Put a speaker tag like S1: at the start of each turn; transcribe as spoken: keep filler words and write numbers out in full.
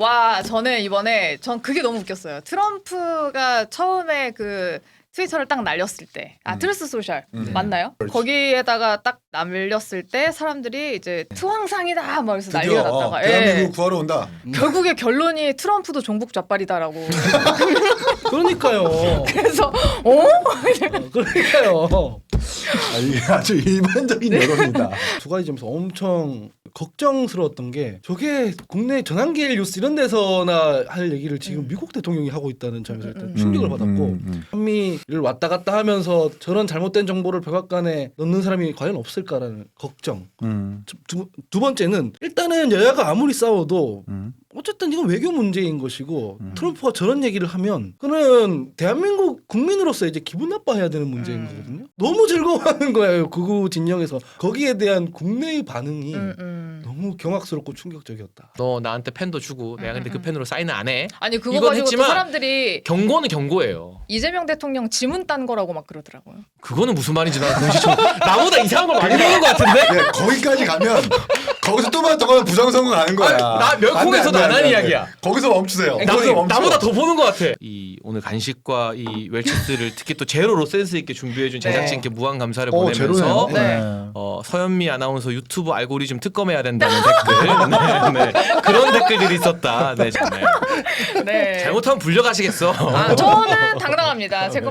S1: 와, 저는 이번에 전 그게 너무 웃겼어요. 트럼프가 처음에 그 트위터를 딱 날렸을 때, 아
S2: 음.
S1: 트루스 소셜
S2: 음.
S1: 맞나요?
S2: 그렇지.
S1: 거기에다가 딱 날렸을 때 사람들이 이제 투항상이다 막 그래서 난리가
S2: 드디어
S1: 났다가
S2: 어,
S1: 예.
S2: 대한민국 구하러 온다.
S1: 결국에 결론이 트럼프도 종북 좌빨이다라고.
S3: 그러니까요.
S1: 그래서 어?
S3: 어, 그러니까요.
S2: 아, 이게 아주 일반적인 여론이다.
S3: 두 가지 점에서 엄청 걱정스러웠던 게 저게 국내 전환기일 뉴스 이런 데서나 할 얘기를 지금
S1: 음.
S3: 미국 대통령이 하고 있다는 점에서 일단
S1: 음,
S3: 충격을
S2: 음,
S3: 받았고
S2: 음, 음.
S3: 한미를 왔다 갔다 하면서 저런 잘못된 정보를 백악관에 넣는 사람이 과연 없을까라는 걱정.
S2: 음,
S3: 두, 두 번째는 일단은 여야가 아무리 싸워도
S2: 음.
S3: 어쨌든 이건 외교 문제인 것이고
S2: 음.
S3: 트럼프가 저런 얘기를 하면 그는 대한민국 국민으로서 이제 기분 나빠해야 되는 문제인
S1: 음.
S3: 거거든요. 너무 즐거워하는 거예요. 극우 진영에서. 거기에 대한 국내의 반응이
S1: 음, 음.
S3: 너무 경악스럽고 충격적이었다.
S4: 너 나한테 펜도 주고 내가 근데 그 펜으로 사인을 안 해.
S1: 아니 그거
S4: 이건
S1: 가지고 또
S4: 했지만
S1: 사람들이
S4: 경고는 경고예요.
S1: 이재명 대통령 지문 딴 거라고 막 그러더라고요.
S4: 그거는 무슨 말인지 나 공시청 나보다 이상한 걸 많이 보는 것 같은데?
S2: 네, 거기까지 가면 거기서 또만 더 가면 부정선거 가는 거야.
S4: 아, 나 멸콩에서도
S2: 안 돼,
S4: 안
S2: 안 돼,
S4: 하는
S2: 안 돼.
S4: 이야기야.
S2: 거기서 멈추세요.
S4: 나,
S2: 거기서 멈춰.
S4: 나보다 더 보는 것 같아. 이 오늘 간식과 이 웰치스를 특히 또 제로로 센스 있게 준비해준 제작진께 무한 감사를
S2: 어,
S4: 보내면서
S2: 제로네요.
S1: 네.
S4: 어, 서현미 아나운서 유튜브 알고리즘 특검해야 된다는 댓글, 네, 네. 그런 댓글들이 있었다. 네, 정말
S1: 네.
S4: 잘못하면 불려가시겠어.
S1: 아, 저는 당당합니다. 제 거